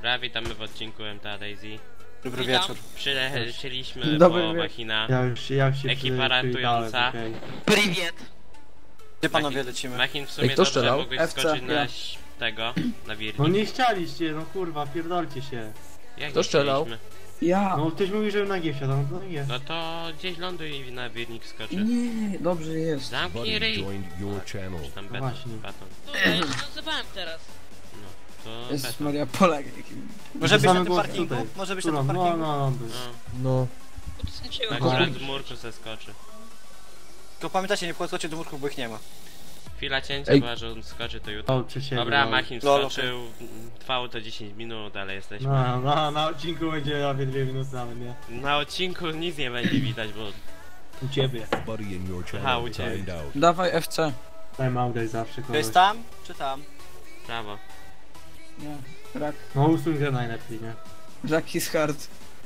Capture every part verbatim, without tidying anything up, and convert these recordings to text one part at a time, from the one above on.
Dobra, witamy w odcinku M T A Daisy. Dobry wieczór. Przylecieliśmy Dobry po wie- Machina. Ja już, ja już się Ekipa ratująca. Okay. Priwiet! Gdzie panowie lecimy? Machin w sumie kto dobrze strzelał? mogłeś F C, skoczyć na ja. ś- tego, na wirnik. No nie chcieliście, no kurwa, pierdolcie się. Jak Kto nie strzelał? chcieliśmy? Ja! No ktoś mówi, że na G wsiadł, no to nie. No to gdzieś ląduj i na wirnik skoczy. Nie, dobrze jest. Zamknij Buddy ryj! joined your channel. Czy tam No beton, właśnie. baton. No, ja już nazywałem teraz. No, to Jest beton. Maria Polak. Może być Same na tym było parkingu? tutaj. Może być na Którą? tym No, parkingu? no, no, był. No, No. Bo to skończyłem. tak akurat z murku se skoczy. Tylko pamiętajcie, nie podchodźcie do murków, bo ich nie ma. Chwila cięcia, Ej. chyba że on skoczy to jutro. O, czy się Dobra, było. Machin Lolo. wskoczył, trwało to dziesięć minut, ale jesteśmy. No, no, na odcinku będzie nawet dwie minuty nawet, nie? Na odcinku nic nie będzie widać, bo U ciebie. Buddy in your Aha, channel u ciebie. timed out. Dawaj F C. Time out jest zawsze To kogoś. jest tam, czy tam? prawo. Nie, rak. No usuń grę najlepiej, nie? Rak is hard.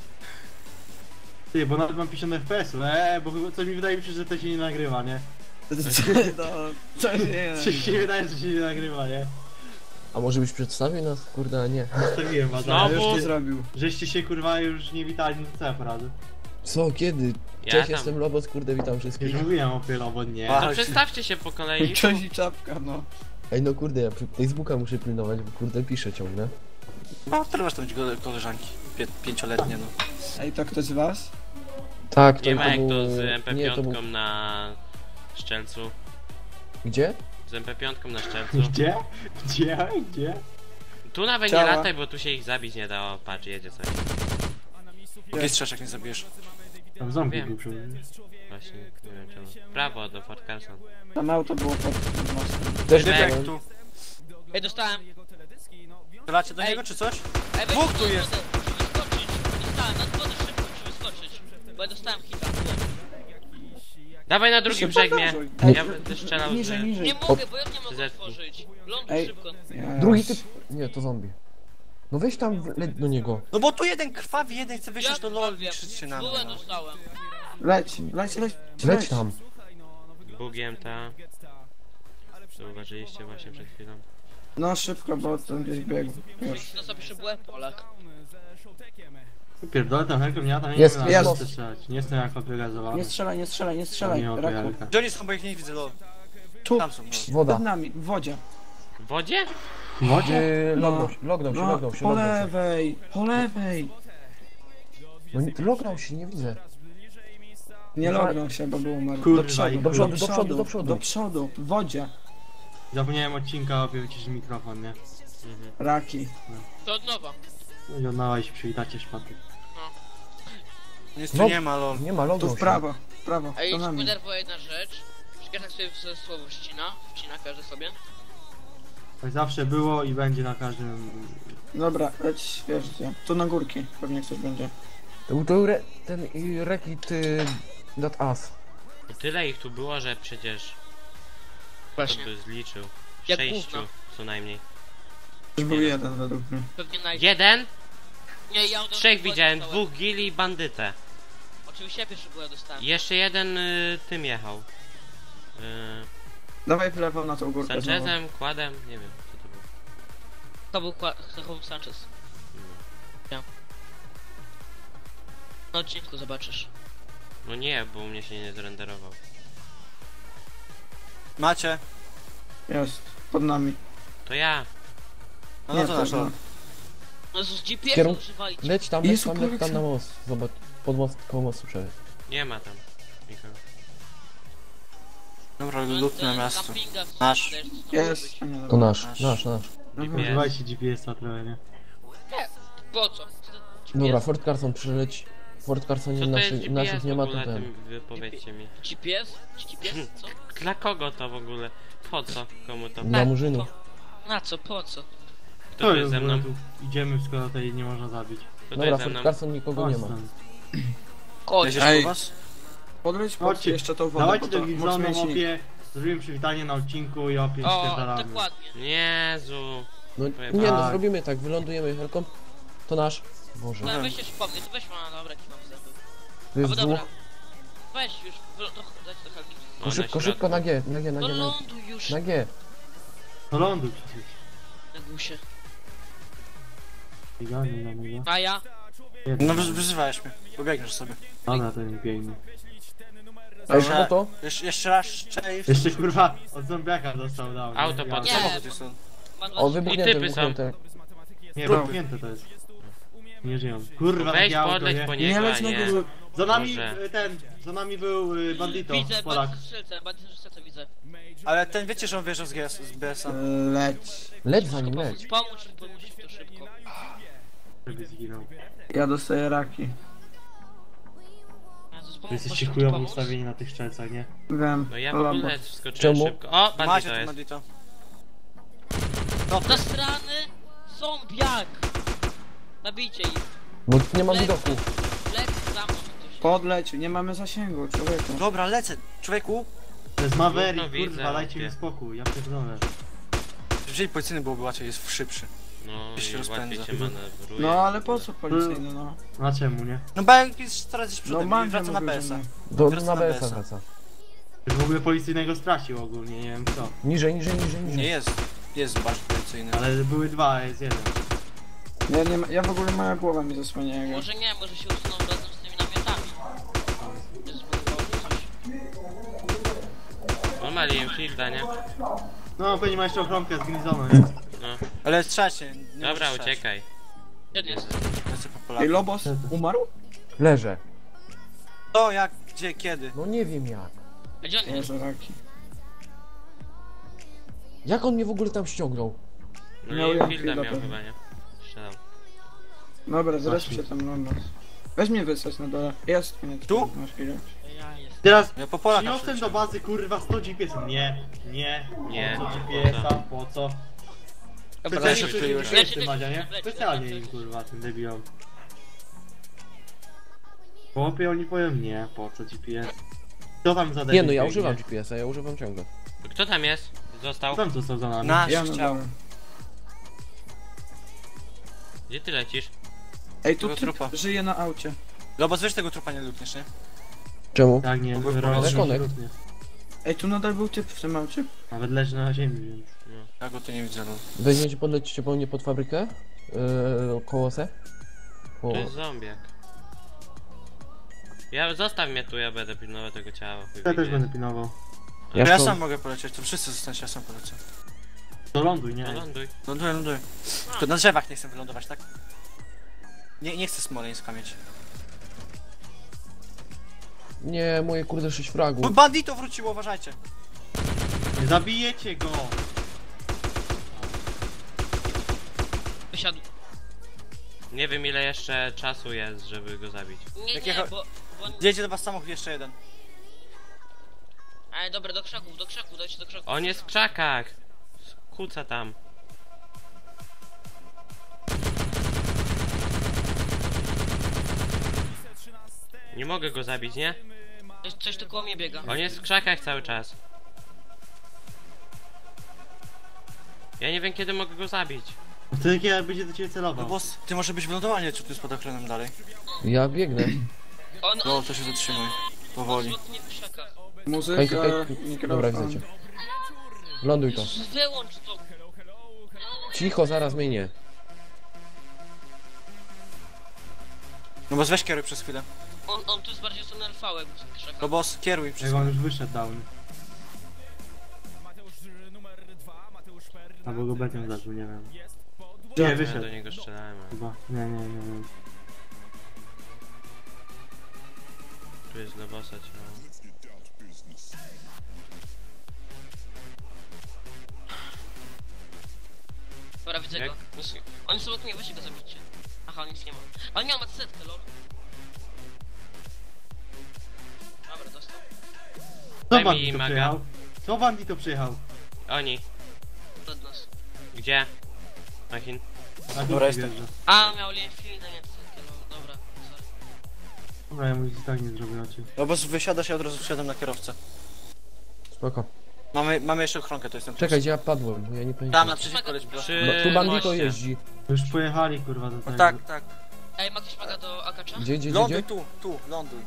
Ty, bo nawet mam pięćdziesiąt F P S-ów, eee, bo chyba coś mi wydaje mi się, że to się nie nagrywa, nie? No, co się Coś się wydaje, że się nie nagrywa, nie? A może byś przedstawił nas? Kurde, a nie. Zostawiłem was, Znowu? ale Co już nie, zrobił? żeście się kurwa już nie witali, no co ja poradzę? Co, kiedy? Ja Cześć, tam- jestem Lobos, kurde, witam Już wszystkich. mówiłem o pylo, nie. A. To przedstawcie się po kolei. Cześć i czapka, no. Ej, no kurde, ja przy Facebooka muszę pilnować, bo kurde piszę ciągle. No, które masz tam go- koleżanki? Pię pięcioletnie, no. Ej, to ktoś z was? Tak, Nie ma jak był- to z M P Nie, to pięć był... na szczelcu. Gdzie? Z M P pięć na szczelcu. Gdzie? Gdzie? Gdzie? Tu nawet Ciała. nie lataj, bo tu się ich zabić nie da. O, patrz, jedzie coś. Jaki strzeszek nie zabijesz? Tam zombie Wiem. był przy mnie. Właśnie, nie wiem czemu. Prawo do Fort Carson. Tam auto było pod mostem. Też Ej, widziałem. Tu. Ej, dostałem. Strzelacie do Ej. niego, czy coś? Ej, weź Dwóch na tu jest. wodę, musi wyskoczyć. Dostałem, na wodę szybko musi wyskoczyć. Bo ja dostałem hita. Dawaj na drugim brzeg mnie. Ej, Ja będę strzelał Niżej, z... niżej. Nie mogę, bo ja nie mogę Zetnij. otworzyć. Ląduj Ej. szybko. Ja- Drugi typ... Nie, to zombie. No weź tam, w- leć do niego. No bo tu jeden krwawi, jeden chce wyjść Ja do lol i wiem. krzyczy na mnie. Bułę no. dostałem. Leć, leć, leć. Leć tam. Bugiem ta. Zauważyliście właśnie przed chwilą. No szybko, bo ten gdzieś biegł. Już. No sobie bułę Polak. Pierdolę tam helką, ja tam nie Jest, wiem, jest. na co strzelać. Nie jestem jak odbiegazowany. Nie strzelaj, nie strzelaj, nie strzelaj. Nie ma Raku. pojarka. Gdzie oni są, bo ich nie widzę, lol. Tu, Tam są, no. Woda. przed nami, w wodzie. W wodzie? W wodzie? Yy, lognął się, lognął się, No, lognął się, po lognął się. lewej, po lewej. No nie- lognął się, nie widzę. Nie lognął się, bo był umarł. Kurwa, do przodu, i do przodu, do przodu, do przodu. Do przodu, w wodzie. Zapomniałem odcinka, opie wyciszyć mikrofon, nie? Mhm. Raki. To od nowa. No i odnała się przywitacie szpaty. Nic tu No. nie ma, lol. Nie ma, Tu lognął w się. prawo, w prawo, Ej, to nami. denerwuje jedna rzecz. Że każdy sobie w- słowo ścina. Wcina każdy sobie. Tak zawsze było i będzie na każdym... Dobra, leć, wiesz gdzie. Tu na górki, pewnie ktoś będzie. To był to re, ten y, rekit y, dat as. I tyle ich tu było, że przecież... Kto Właśnie. by zliczył? Jak Sześciu gówno. co najmniej. Już był jeden według mnie. Pewnie naj... Jeden? Nie, ja od razu Trzech bułę widziałem, dostałem. dwóch gili i bandytę. Oczywiście ja pierwszy bułę dostałem. Jeszcze jeden y, tym jechał. Y, Dawaj w lewo na tą górkę znowu. Sanchezem, Kładem, nie wiem co to było. To był, Kła- to był Sanchez. Ja. Na odcinku zobaczysz. No nie, bo u mnie się nie zrenderował. Macie? Jest, pod nami. To ja. No, no Nie, to nasz lol. No z G P S Kierun- używali. Leć tam, leć Jezu, tam, leć tam Polaksa. na most. Zobacz, pod most, koło mostu przejdź. Nie ma tam nikogo. Dobra, No, lutne ten miasto. campinga w- Nasz. też, co może Jest. być. A nie, To dobra. nasz, Nasz. nasz, nasz. No, G P S. używajcie G P S-a trochę, nie? Po co? Dobra, Fort Carson przyleć. Fort Carson Co to naszych, jest G P naszych S nie w ma tu ogóle, ten. tym wypowiedzcie mi. G P S? G P S? Co? Dla kogo to w ogóle? Po co? Komu to? Dla murzynów. Na co? Po co? Kto tu jest ze mną? tu idziemy, skoro tutaj nie można zabić. Kto tu Dobra, jest ze Fort mną? Carson nikogo nie ma. Ostran. Chodź. Jedziesz Ej. po was? Podleć pod Chodźcie, jeszcze tą wodę, dawajcie bo do to Gilzonu, mocno się... opie, zrobimy przywitanie na odcinku i opie O, spierdalamy. dokładnie. Jezu. No Powiem nie no, tak. zrobimy tak, wylądujemy helką. To nasz. Boże. No weź już pomysł, to weź ma dobra, jaki mam zęby. To jest Albo dwóch. dobra. Weź już, wy- to dać do Helgi. O, No na szybko, środku. szybko na G, na G, na No G, na, ląduj już na G. No ląduj przecież. na gusie. Niga, niga, niga. A ja? No wy- wyzywałeś mnie. Pobiegniesz sobie. Dobra, to nie biegnie. Ej, Dobrze. no to? Jesz jeszcze raz szczęść. Jeszcze kurwa od zombiaka dostał dał. Auto Ja- pod- Nie. Samochód jest on. Mam dwa O, typy. wybuchnięte, typy są. wybuchnięte. Nie, Próbuj. zamknięte to jest. Nie żyją. Kurwa, Weź takie auto, podleć nie? po Nie niego, leć a na nie. górę. Za nami Może. y, ten, za nami był y, bandito, Widzę, Polak. bardzo strzelce, bardzo strzelce widzę. Ale ten wiecie, że on wjeżdżał z G S, z B S a. Leć. Leć za nim, Pomóc, leć. pomóż, pomóż mi to szybko. Żeby zginął. Ja dostaję raki. Jezus, Wy pomóż, jesteście możesz mi chujowo pomóc? ustawieni na tych strzelcach, nie? Wiem. No ja w Labo. ogóle wskoczyłem Czemu? szybko. O, Macie bandito tu jest. bandito. Zastrany zombiak! Nabijcie ich. Bo nie mam widoku. Lek zamknąć ktoś. Podleć, nie mamy zasięgu, człowieku. Dobra, lecę. Człowieku, To jest Maverick, No widzę, kurwa, dajcie mi wie. spokój, ja pierdolę. wzięli policyjny byłoby łatwiej, jest szybszy. No Już się i łatwiej rozpędza. cię manewruje. No ale po co policyjny, no? A czemu, nie? No Bank jest coraz gdzieś No przodem i mam wraca na B S a. Do, Wraca na na B S a B S a. wraca. Już w ogóle policyjnego stracił ogólnie, nie wiem co. Niżej, niżej, niżej, Nie niżej. jest. Jest bardziej policyjny. Ale były dwa, a jest jeden. Ja, nie ma, ja w ogóle moja głowa mi zasłania jego. Może nie, może się usuną razem z tymi namiotami. Jest zbudował coś. On ma Linfielda, nie? No, pewnie ma jeszcze ochronkę z Grisona, nie? No. Ale strzelcie. nie Dobra, możesz strzelać. uciekaj. Jeden jest. Lecę po Ej, Polaku. Lobos umarł? Leżę. To jak, gdzie, kiedy? No nie wiem jak. A gdzie on jest? Jezu, raki. Jak on mnie w ogóle tam ściągnął? No Miał Linfielda Linfielda miał pewnie. chyba, nie? Strzelał. Dobra, zresztą się tam Lobos. Weź mnie wysłać na dole. Jest mnie Tu? Masz chwilę. Ja jestem. Teraz Ja po Polaka przyniosłem do przyleciałem. bazy, kurwa, sto G P S-ów. Nie, nie, Nie, po co po G P S-a, po co? Dobra, Specjalnie leci, przecież leci, G P S-y, leci, Madzia, nie? leci, Specjalnie leci. im, kurwa, tym debilom. Chłopie, oni powią nie, po co G P S? Co tam za Nie debil no, ja biegnie? używam G P S a, ja używam ciągle. Kto tam jest? Został? Co tam został za nami? Nasz Ja na chciał. dole. Gdzie ty lecisz? Ej, tu Tego typ trupa. żyje na aucie. Lobos, weź tego trupa nie lukniesz, nie? Czemu? Tak, nie, Mogę roz- powiedzieć? rozrzutnie. Ej, tu nadal był typ w tym aucie. Nawet leży na ziemi, więc... Ja go tu nie widzę, no. Weźmiecie, podlecicie po mnie pod fabrykę? Yy, koło se? Po... To jest zombiak. Ja, zostaw mnie tu, ja będę pilnował tego ciała. chuj Ja wie też gdzie. będę pilnował. Ja, Ja ja to- sam mogę polecieć, to wszyscy zostańcie, ja sam polecę. To ląduj, No nie? ląduj. Ląduję, ląduję. Tylko na drzewach nie chcę wylądować, tak? Nie, nie chcę Smoleńska mieć. Nie, moje kurde sześć fragów. Bo bandito wróciło, uważajcie. Nie zabijecie go! Wysiadł. Nie wiem ile jeszcze czasu jest, żeby go zabić. Nie, Jak nie, jecha- bo... bo... Jedzie do was samochód jeszcze jeden. Ale dobra, do krzaków, do krzaków, dajcie do krzaków. On jest w krzakach! Kuca tam. Nie mogę go zabić, nie? Coś, coś tu koło mnie biega. On jest w krzakach cały czas. Ja nie wiem kiedy mogę go zabić. Wtedy kiedy będzie do ciebie celował. Lobos, ty może być wylądowanie, czy tu jest pod ochroną dalej? Ja biegnę. On, No, on... to się zatrzymuj. On Powoli. smutnie w krzakach. Muzyka, Hej, hej, mikrofon. dobra, widzę cię. Ląduj to. Jezus, wyłącz to. Cicho, zaraz minie. No bo weź kieruj przez chwilę. On, on tu jest bardziej w stronę L V, jakby w krzakach. Lobos, kieruj przez Jak on chwilę. już wyszedł down. Albo go betem zaczął, nie wiem. Nie, Ja wyszedł. do niego strzelałem. ale Chyba. Nie, nie, nie, nie. Tu jest dla bossa ciało. Dobra, widzę Jak? go. Nic- On jest obok mnie, weźcie go zabicie. Aha, on nic nie ma. Ale miał setkę, lol. Dobra, dostał. Co Daj mi bandito maga. przyjechał? Co bandito przyjechał? Oni. Od nas. Gdzie? Machin. Na Dobra, górę jestem. wjeżdża. A, miał Linfielda, nie setkę, lol. Dobra, sorry. Dobra, ja mu nic tak nie zrobię na ciebie. Lobos, wysiadasz, ja od razu wsiadam na kierowcę. Spoko. Mamy, mamy jeszcze ochronkę, to jestem tu. Czekaj, gdzie ja padłem, bo ja nie Tam pamiętam. naprzeciwko leć, proszę. Przy No, tu bandito moście. jeździ. Już pojechali, kurwa, do tego. No tak, tak. Ej, ma ktoś maga do Akacza? Gdzie, gdzie, gdzie, Ląduj gdzie? tu, tu, ląduj.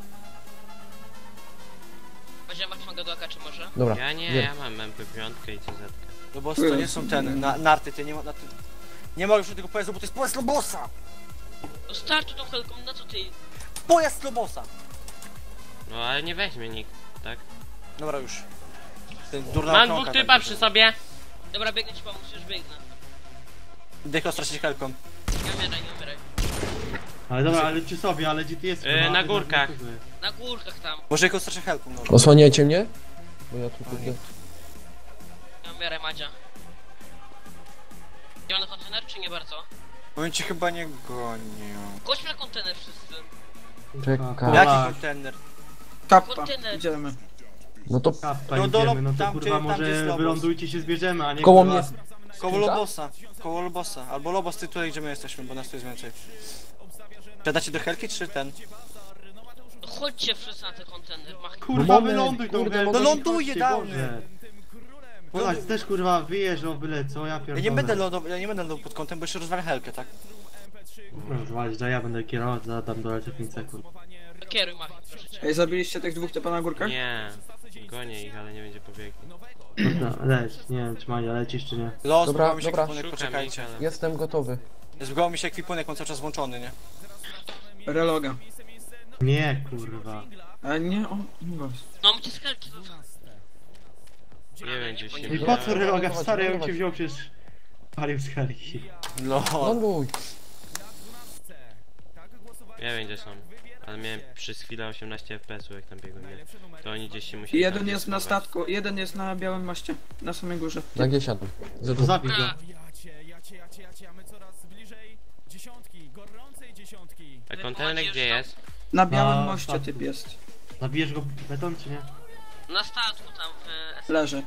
Będzie masz maga do Akacza może? Dobra, Ja nie, wiem. ja mam M P pięć i C Z. Lobos, to nie są ten, na, narty, ty nie ma, na ty... Nie mogę już tego pojazdu, bo to jest pojazd Lobosa! No startu tą helką, na co ty? Pojazd Lobosa! No ale nie weźmie nikt, tak? Dobra już. Ten durna Mam okrąga dwóch tak typa będzie. przy sobie. Dobra, biegnę ci pomóc, już biegnę. Deklo stracić helką. Nie umieraj, nie umieraj. Ale dobra, ale czy sobie, ale gdzie ty jest? Yy, kurwa? na Ty górkach. na- Na górkach tam. Może jego stracić helką, no. Osłaniajcie mnie? Bo ja tu kurde... Nie umieraj, Madzia. Idziemy na kontener, czy nie bardzo? Powiem ci chyba nie gonią. Chodźmy na kontener wszyscy. Czekaj. Jaki Tak. kontener? Kappa, Kontener. idziemy. No to Kappa No do idziemy, no lob- to tam, kurwa gdzie- tam, gdzie może jest Lobos. wylądujcie się zbierzemy, a nie koło kurwa... mnie... Koło Skrzynka? Lobosa. Koło Lobosa. Albo Lobos, ty tutaj gdzie my jesteśmy, bo nas tu jest więcej. Przadacie do helki, czy ten? No chodźcie wszyscy na ten kontener, mach. Kurwa, moment, wyląduj tą kurde, helką, no ląduje, chodźcie, dawny. Boże. Chodź, też kurwa wyjeżdżał byle co, ja pierdolę. Ja nie będę lądował, ja nie będę lądował pod kątem, bo jeszcze rozwalę helkę, tak? No, zwalić, że ja będę kierować, zadam do pięć sekund. Kieruj, mach. Proszę cię. Ej, zabiliście tych dwóch typa na górkach? Nie. Gonię ich, ale nie będzie pobiegli. No, leć, nie wiem czy Mania lecisz czy nie. Los, Dobra, zbugował mi się dobra. ekwipunek, Szukam ich, poczekajcie. ale... Jestem gotowy. Zbugował mi się ekwipunek, on cały czas włączony, nie? Reloga. Nie kurwa. Ale nie, o, nie was. No, my cię z helki. Nie będzie się... I po co reloga, stary, ja bym cię wziął przecież... Palił z helki. Lol. Ląduj. Nie wiem gdzie są. Ale miałem przez chwilę osiemnaście F P S-ów jak tam biegłem, nie? To oni gdzieś się I musieli jeden tam jest na schować. statku, jeden jest na białym moście. Na samej górze. Na G siadam. Za To tu. zabij go. A, A kontener gdzie jest? Na białym Na moście statku. typ jest. Zabijesz go beton czy nie? na statku tam w... Leży.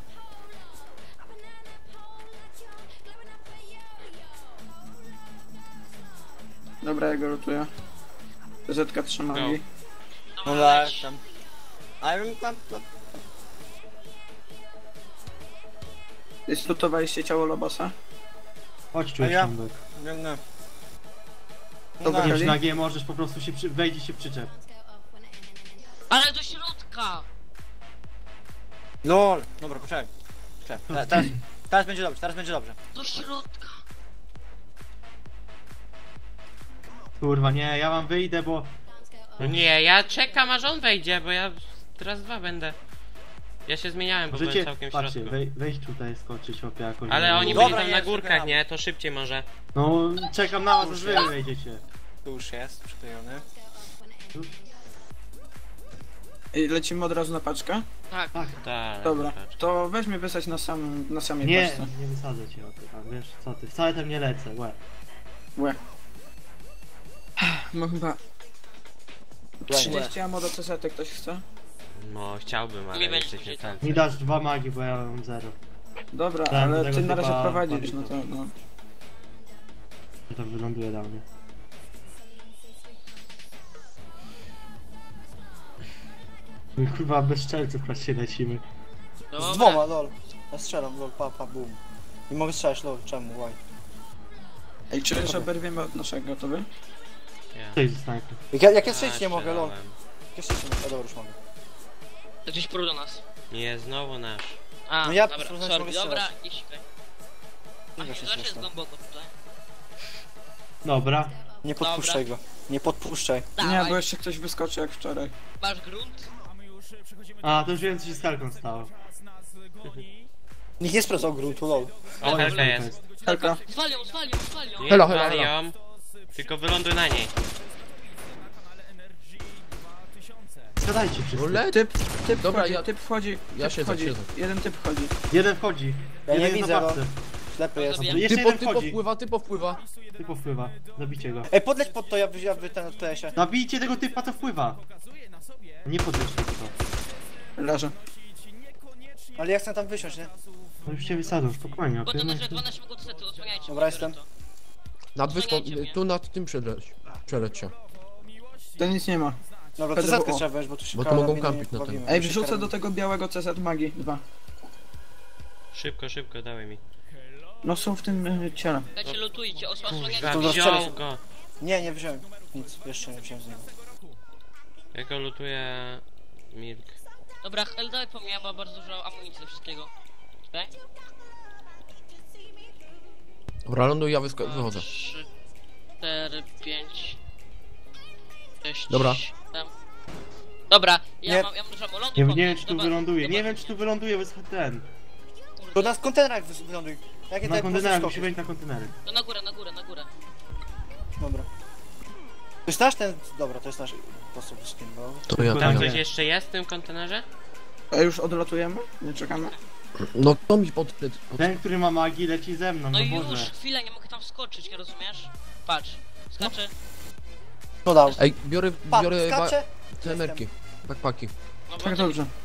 Dobra, ja go lutuję. Zetka trzyma Go. mi. No Dobra, tak, leć. tam. A ja tam... tam- Lutowaliście ciało Lobosa? Chodź A czuć ja? ciągłek. Nie, nie. Dobra, No, Nie, Czyli? na G możesz po prostu się przy... wejdzie się przyczep. Ale do środka! lol. Dobra, poczekaj. Poczekaj. Te- Teraz, teraz będzie dobrze, teraz będzie dobrze. Do środka! Kurwa nie, ja wam wyjdę, bo... No nie, ja czekam aż on wejdzie, bo ja teraz dwa będę. Ja się zmieniałem, bo byłem Możecie, całkiem w patrzcie, środku. wej, wejść tutaj, skoczyć chłopie jakoś. Ale oni Dobra, byli tam nie, na górkach, czekam. nie? To szybciej może. No, czekam na was, aż wy wejdziecie. Tu już jest, przyklejony. I lecimy od razu na paczkę? Tak. Tak. Tak. Dobra, patrz. to weź mnie wysać na samym, na samej Nie, paczce. nie wysadzę cię, ty, a wiesz co ty, wcale tam nie lecę, łe. Łe. No chyba... trzydzieści ammo do C Z ktoś chce? No chciałbym, ale Nie będzie jesteś nie później, tak. Mi dasz dwa magi, bo ja mam zero. Dobra, Tak, ale tego ty na razie typa prowadzisz, padł. no to no. To tam wyląduje dla mnie. My kurwa bez strzelców patrzcie lecimy. Z dwoma, lol. Ja strzelam, lol, pa, pa, boom. Nie mogę strzelać, lol, czemu, why? Ej, czy już oberwiemy od naszego, to wy? Ja. Cześć, snajper. Jak ja, jak ja A, strzelić nie mogę, lol. strzelałem. Jak ja strzelić nie mogę, a dobra, już mogę. Gdzieś prół do nas. Nie, znowu nasz. A, No ja dobra, próbowałem sorry, mogę dobra, strzelać. nie sikaj. Nie A da się zawsze jest strzelać. głęboko tutaj. Dobra. Nie podpuszczaj go. Nie podpuszczaj. Nie, Dawaj, bo jeszcze ktoś wyskoczy jak wczoraj. masz grunt? A, to już wiem co się z kalką stało. Nikt nie sprawdzał gruntu, lol. O, helka jest. Helka. Zwalią, zwalią, zwalią. Nie Helo, helo, zwal helo. ją, tylko wyląduj na niej. Zgadajcie wszyscy. Roulette? Typ, typ Dobra, wchodzi, ja- typ wchodzi, ja typ siedzę, wchodzi. siedzę. Jeden typ wchodzi. Jeden wchodzi. Ja nie Jeden widzę na go. babce. Ślepy jest. Zabijam. Jeszcze Typo, jeden typo wchodzi. wpływa, typo wpływa. Typo wpływa. Zabicie go. Ej, podleć pod to, ja wy, ja wy ten od T S-ie. Zabijcie tego typa, co wpływa. Nie podlećcie to. Leży. Ale ja chcę tam wysiąść, nie? No już cię wysadzą, spokojnie. Bo to okej? na dwanaście minut sety, odsłaniajcie. Dobra, jestem. Nad wyspą, Osłaniajcie mnie. tu nad tym przeleć. Przeleć się. To nic nie ma. Dobra, to P D W O. zetkę trzeba wziąć, bo tu się Bo to karabiny mogą nie kampić na pobawimy. tym. Ej, Tu się wrzucę do karabiny- tego białego C Z magii, dwa. Szybko, szybko, dawaj mi. No są w tym y, ciele. Dajcie, lutujcie, os- osłaniajcie. Kurwa, To wziął rozstrzelę. go. Nie, nie wziąłem. Nic, jeszcze nie wziąłem z niego. Ja go lutuję... Milk. Dobra, Hel, daj po mnie, ma bardzo dużo amunicji do wszystkiego. Okej? Dobra, ląduj, ja wysko- wychodzę. trzy, cztery, pięć, sześć, Dobra. siedem. Dobra, ja Nie. mam, ja mam dużo lądu. Nie, nie wiem czy tu wyląduje, nie wiem czy tu wyląduje, bo jest ten. To na kontenerach wys- wyląduj. Jakie Na te kontenerach, pozyskoki? musi wejść na kontenery. No na górę, na górę, na górę. Dobra. To jest nasz ten... Dobra, to jest nasz... Po prostu skin, no. To ja, to Tam ja. coś jeszcze jest w tym kontenerze? A już odlatujemy? Nie czekamy? No kto mi pod... pod... Ten, który ma magii, leci ze mną, No no i już, Boże. chwilę, nie mogę tam wskoczyć, nie rozumiesz? Patrz, skaczę. To dał. Ej, biorę, Pa, biorę ba- skacze? te emerki. Backpacki. No Tak, bo- dobrze.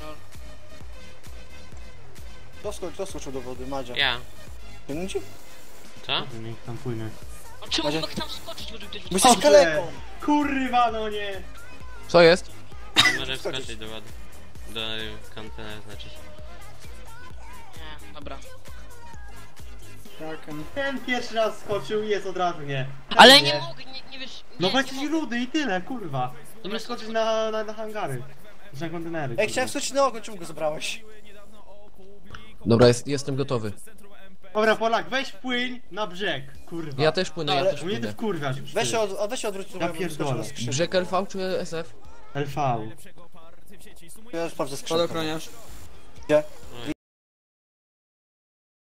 Kto sko- kto skoczył do wody? Madzia. Ja. Ciągnijcie? Co? Niech tam płynie. No czemu Macie- nie mogę tam wskoczyć, żeby ktoś Bo rzucił? jesteś kaleką! Kurwa, no nie! Co jest? Może wskoczyć do wody. Do kontenera znaczy się. Nie, dobra. Tak, em, Ten pierwszy raz skoczył i jest od razu nie. Ten Ale nie mogę, nie, nie wiesz... No nie, bo nie jesteś mogę. rudy i tyle, kurwa. Dobra, skoczyć na, na, na hangary. Na kontenery. Ej, kurwa. chciałem skoczyć na ogon, czemu go zabrałeś? Dobra, jest, jestem gotowy. Dobra, Polak, weź płyń na brzeg, kurwa. Ja też płynę, ja Ale- też Mnie ty płynę. wkurwiasz już. Weź ty. się, od, a weź się odwróć, Ja bo ja bym pierdolę. skoczył na skrzynię. Brzeg L V czy S F? L V. Ja sprawdzę skrzynkę. Spadochroniarz. Gdzie?